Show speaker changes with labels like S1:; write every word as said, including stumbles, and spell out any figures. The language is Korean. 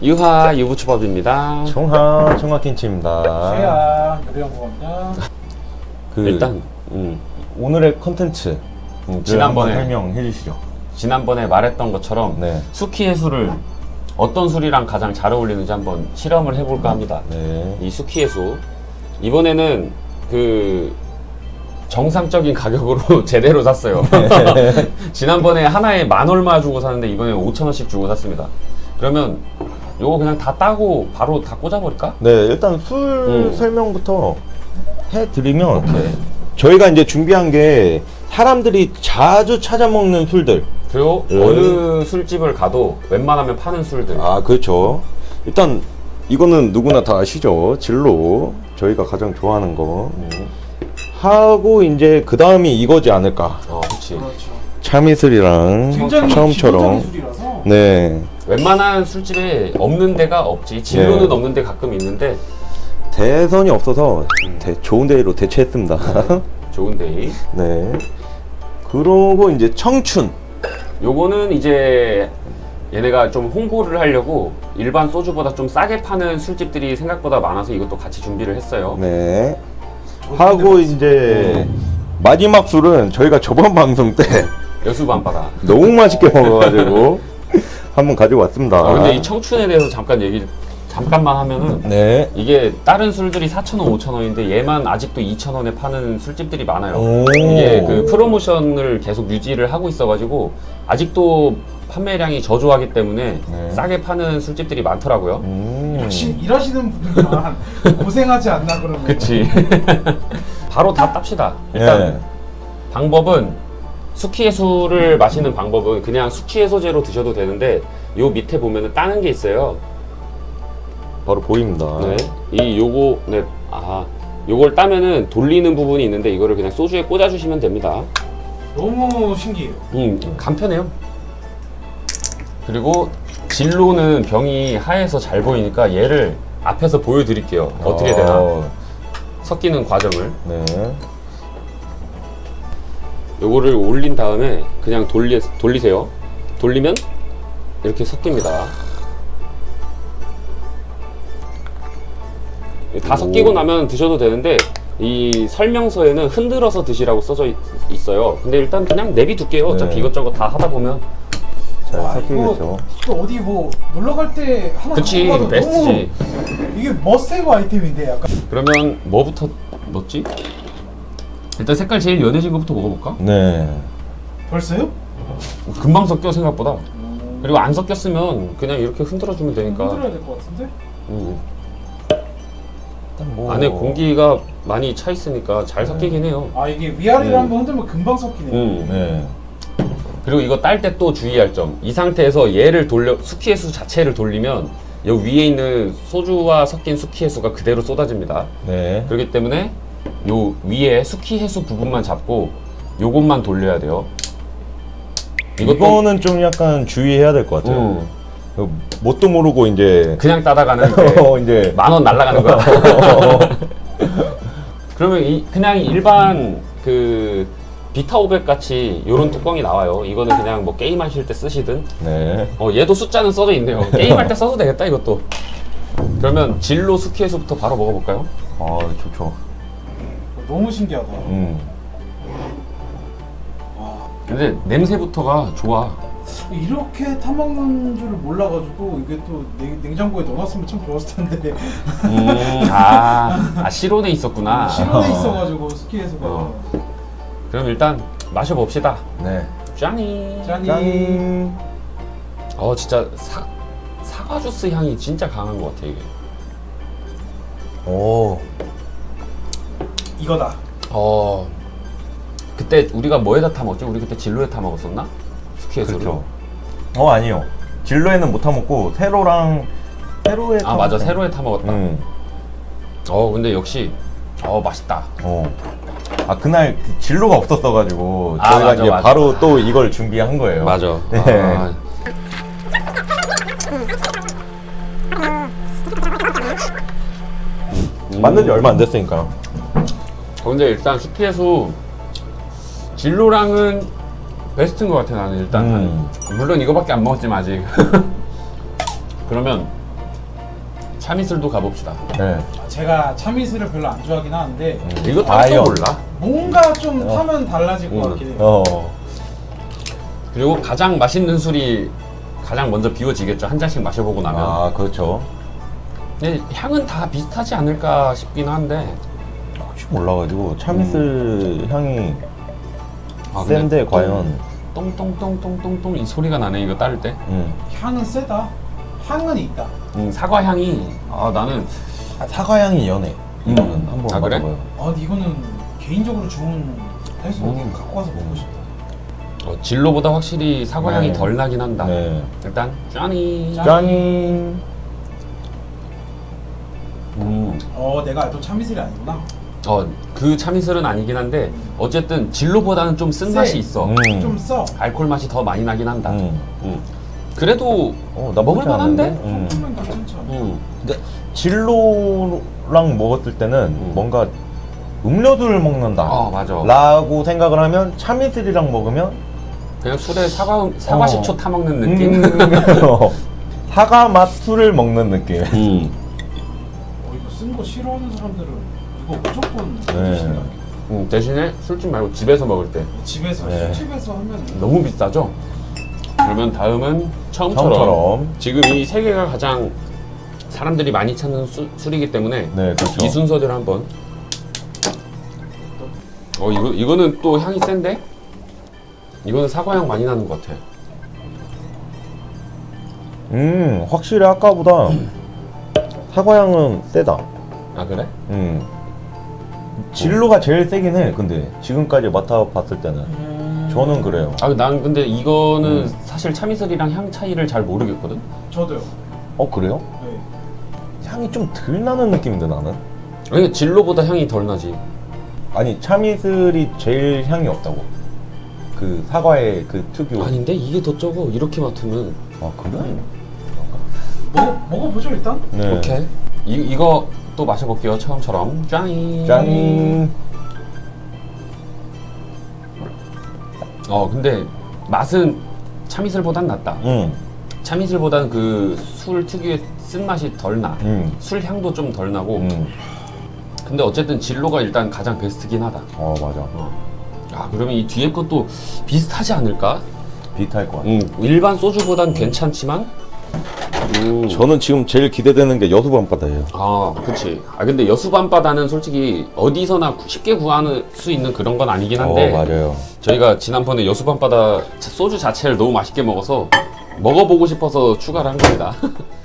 S1: 유하 유부초밥입니다.
S2: 청하 청하김치입니다.
S3: 최야 요리연구원입니다.
S2: 그
S1: 일단 음,
S2: 오늘의 컨텐츠 음,
S1: 지난번에
S2: 설명해 주시죠.
S1: 지난번에 말했던 것처럼
S2: 네.
S1: 수키 해수를 어떤 술이랑 가장 잘 어울리는지 한번 실험을 해볼까 합니다.
S2: 네.
S1: 이 수키 해수 이번에는 그 정상적인 가격으로 제대로 샀어요. 지난번에 하나에 만 얼마 주고 샀는데 이번에 오천 원씩 주고 샀습니다. 그러면 요거 그냥 다 따고 바로 다 꽂아버릴까?
S2: 네, 일단 술
S1: 음.
S2: 설명부터 해드리면
S1: 오케이.
S2: 저희가 이제 준비한 게 사람들이 자주 찾아 먹는 술들.
S1: 그리고
S2: 음.
S1: 어느 술집을 가도 웬만하면 파는 술들.
S2: 아, 그렇죠. 일단 이거는 누구나 다 아시죠. 진로. 저희가 가장 좋아하는 거.
S1: 음.
S2: 하고 이제 그 다음이 이거지 않을까.
S1: 어, 그렇지.
S3: 그렇죠.
S2: 참이슬이랑
S3: 굉장히
S2: 처음처럼.
S3: 기본적인 술이라서
S2: 네.
S1: 웬만한 술집에 없는 데가 없지. 진로는
S2: 네.
S1: 없는 데 가끔 있는데
S2: 대선이 없어서 대, 좋은 데로 대체했습니다.
S1: 좋은 데이.
S2: 네. 그러고 이제 청춘.
S1: 요거는 이제 얘네가 좀 홍보를 하려고 일반 소주보다 좀 싸게 파는 술집들이 생각보다 많아서 이것도 같이 준비를 했어요.
S2: 네. 하고 이제 마지막 술은 저희가 저번 방송 때
S1: 여수 밤바다.
S2: 너무 맛있게 먹어가지고 한번 가지고 왔습니다.
S1: 아, 근데 이 청춘에 대해서 잠깐 얘기 잠깐만 하면은
S2: 네.
S1: 이게 다른 술들이 사천 원, 오천 원인데 얘만 아직도 이천 원에 파는 술집들이 많아요.
S2: 오.
S1: 이게 그 프로모션을 계속 유지를 하고 있어가지고 아직도 판매량이 저조하기 때문에
S2: 네.
S1: 싸게 파는 술집들이 많더라고요.
S2: 음.
S3: 역시 일하시는 분들만 고생하지 않나 그러면.
S1: 그치. 바로 다 땁시다. 일단
S2: 네.
S1: 방법은 수키해수를 마시는 방법은 그냥 수치해소제로 드셔도 되는데 요 밑에 보면은 따는 게 있어요.
S2: 바로 보입니다.
S1: 네. 이 요거 네. 아, 요걸 따면은 돌리는 부분이 있는데 이거를 그냥 소주에 꽂아 주시면 됩니다.
S3: 너무 신기해요.
S1: 음, 간편해요. 그리고 진로는 병이 하얘서 잘 보이니까 얘를 앞에서 보여드릴게요. 어떻게 되나
S2: 어,
S1: 섞이는 과정을.
S2: 네.
S1: 요거를 올린 다음에 그냥 돌리, 돌리세요. 돌리면 이렇게 섞입니다. 다
S2: 오.
S1: 섞이고 나면 드셔도 되는데 이 설명서에는 흔들어서 드시라고 써져 있, 있어요. 근데 일단 그냥 내비둘게요. 어차피
S2: 네.
S1: 이것저것 다 하다 보면.
S2: 잘
S3: 와,
S2: 섞이겠죠.
S3: 이거, 이거 어디 뭐 놀러 갈 때 하나
S1: 그치,
S3: 갖고 가도
S1: 베스트지.
S3: 너무 이게 머스테이브 아이템인데 약간.
S1: 그러면 뭐부터 넣지? 일단 색깔 제일 연해진 것부터 먹어볼까?
S2: 네.
S3: 벌써요?
S1: 금방 섞여 생각보다.
S3: 음,
S1: 그리고 안 섞였으면 그냥 이렇게 흔들어주면 되니까.
S3: 흔들어야 될 것 같은데?
S1: 음.
S2: 일단 뭐
S1: 안에 공기가 많이 차 있으니까 잘 섞이긴 해요.
S3: 아 이게 위아래를
S1: 음.
S3: 한번 흔들면 금방 섞이네요.
S1: 음.
S2: 네.
S1: 그리고 이거 딸 때 또 주의할 점. 이 상태에서 얘를 돌려 수키해수 자체를 돌리면 여 위에 있는 소주와 섞인 수키해수가 그대로 쏟아집니다.
S2: 네.
S1: 그렇기 때문에 요 위에 수키해수 부분만 잡고 요것만 돌려야 돼요. 이것도
S2: 이거는 좀 약간 주의해야 될 것 같아요.
S1: 음,
S2: 그 뭣도 모르고 이제
S1: 그냥 따다가는
S2: 어, 이제
S1: 만 원 날라가는 거야. 그러면 이 그냥 일반 그 비타 오백 같이 요런 뚜껑이 나와요. 이거는 그냥 뭐 게임 하실 때 쓰시든.
S2: 네.
S1: 어 얘도 숫자는 써져 있네요. 게임할 때 써도 되겠다 이것도. 그러면 진로 수키해수부터 바로 먹어볼까요?
S2: 아, 좋죠.
S3: 너무 신기하다.
S2: 음.
S3: 와,
S1: 근데 냄새부터가 좋아.
S3: 이렇게 타먹는 줄을 몰라가지고 이게 또 냉, 냉장고에 넣어놨으면 참 좋았을 텐데.
S1: 음, 아, 아 실온에 있었구나.
S3: 실온에 있어가지고 스키에서가.
S1: 어. 그럼 일단 마셔봅시다.
S2: 네.
S1: 짠이.
S3: 짠이.
S2: 짠.
S1: 어 진짜 사, 사과 주스 향이 진짜 강한 것 같아 이게.
S2: 오.
S3: 이거다.
S1: 어 그때 우리가 뭐에다 타 먹었지? 우리 그때 진로에 타 먹었었나? 스키에서를.
S2: 그렇죠. 어, 아니요. 진로에는 못 타먹고 세로랑 세로에
S1: 아 맞아 세로에 타 먹었다.
S2: 음.
S1: 어 근데 역시 어 맛있다.
S2: 어. 아, 그날 그 진로가 없었어가지고
S1: 아,
S2: 저희가
S1: 맞아,
S2: 이제
S1: 맞아.
S2: 바로 또 이걸 준비한 거예요.
S1: 맞아.
S2: 네.
S1: 아,
S2: 만든 지 얼마 안 됐으니까.
S1: 어, 근데 일단 스키에서 진로랑은 베스트인 것 같아 나는 일단.
S2: 음.
S1: 물론 이거밖에 안 먹었지만 아직. 그러면 참이슬도 가봅시다.
S2: 네.
S3: 제가 참이슬을 별로 안 좋아하긴 하는데
S1: 이거 따로
S2: 아이언.
S1: 몰라.
S3: 뭔가 좀
S2: 어.
S3: 타면 달라질 것
S1: 음.
S3: 같긴 해요.
S2: 어.
S1: 그리고 가장 맛있는 술이 가장 먼저 비워지겠죠. 한 잔씩 마셔보고 나면.
S2: 아 그렇죠.
S1: 근데 향은 다 비슷하지 않을까 싶긴 한데.
S2: 혹시 몰라가지고 참이슬 향이
S1: 아, 근데
S2: 센데
S1: 똥-
S2: 과연.
S1: 똥똥똥똥똥똥 이 소리가 나네 이거 따를 때.
S2: 음.
S3: 향은 세다. 향은 있다.
S1: 음, 사과 향이 아 나는
S2: 아, 사과 향이 연해. 이거는 한번
S1: 아, 그래?
S2: 맡아봐요.
S3: 아 근데 이거는 개인적으로 좋은 해서
S2: 음.
S3: 갖고 와서 먹고 싶다.
S1: 어, 진로보다 확실히 사과 향이
S2: 네.
S1: 덜 나긴 한다.
S2: 네.
S1: 일단 짠이.
S3: 짠.
S2: 짠.
S1: 음.
S3: 어 내가 알던 참이슬이 아니구나.
S1: 어, 그 참이슬은 아니긴 한데 어쨌든 진로보다는 좀
S3: 세.
S1: 쓴맛이 있어.
S2: 음.
S3: 좀 써.
S1: 알코올 맛이 더 많이 나긴 한다.
S2: 음.
S1: 음. 그래도
S2: 어, 나쁘지
S1: 먹을 만한데?
S2: 않은데? 음.
S3: 조금만 괜찮죠.
S1: 음.
S2: 근데 진로랑 먹었을 때는
S1: 음.
S2: 뭔가 음료들을 먹는다
S1: 어, 맞아.
S2: 라고 생각을 하면 참이슬이랑 먹으면
S1: 그냥 술에 사과 사과
S2: 어.
S1: 식초 타 먹는 느낌.
S2: 음, 사과 맛 술을 먹는 느낌.
S1: 음.
S3: 어 이거 쓴 거 싫어하는 사람들은 이거 무조건
S2: 네.
S3: 드신다.
S1: 음, 대신에 술집 말고 집에서 먹을 때
S3: 집에서
S2: 네.
S3: 술집에서 하면
S1: 너무 비싸죠? 그러면 다음은 처음처럼,
S2: 처음처럼.
S1: 지금 이 세 개가 가장 사람들이 많이 찾는 수, 술이기 때문에
S2: 네, 그렇죠.
S1: 이 순서대로 한번. 어 이거 이거는 또 향이 센데? 이거는 사과향 많이 나는 것 같아.
S2: 음, 확실히 아까보다 사과 향은 세다.
S1: 아 그래?
S2: 음. 진로가 제일 세긴 해. 근데 지금까지 맡아봤을 때는
S3: 음...
S2: 저는 그래요.
S1: 아 난 근데 이거는
S2: 음.
S1: 사실 참이슬이랑 향 차이를 잘 모르겠거든.
S3: 저도요.
S2: 어 그래요?
S3: 네.
S2: 향이 좀 덜 나는 느낌인데 나는.
S1: 아니 진로보다 향이 덜 나지.
S2: 아니 참이슬이 제일 향이 없다고. 그 사과의 그 특유.
S1: 아닌데 이게 더 적어. 이렇게 맡으면.
S2: 아 그래?
S3: 먹어 먹어보죠 일단.
S2: 네.
S1: 오케이. 이 이거 또 마셔볼게요. 처음처럼. 짠.
S2: 짠.
S1: 어 근데 맛은 참이슬보단 낫다.
S2: 음.
S1: 참이슬보다는 그 술 특유의 쓴맛이 덜 나.
S2: 음.
S1: 술 향도 좀 덜 나고.
S2: 음.
S1: 근데 어쨌든 진로가 일단 가장 베스트긴 하다.
S2: 어 맞아.
S1: 어. 아 그러면 이 뒤에 것도 비슷하지 않을까?
S2: 비슷할 것 같아.
S1: 음 일반 소주보단 괜찮지만. 음.
S2: 저는 지금 제일 기대되는 게 여수 밤바다예요.
S1: 아, 그치. 아, 근데 여수밤바다는 솔직히 어디서나 구- 쉽게 구할 수 있는 그런 건 아니긴 한데.
S2: 어 맞아요.
S1: 저희가 지난번에 여수밤바다 소주 자체를 너무 맛있게 먹어서 먹어보고 싶어서 추가를 한 겁니다.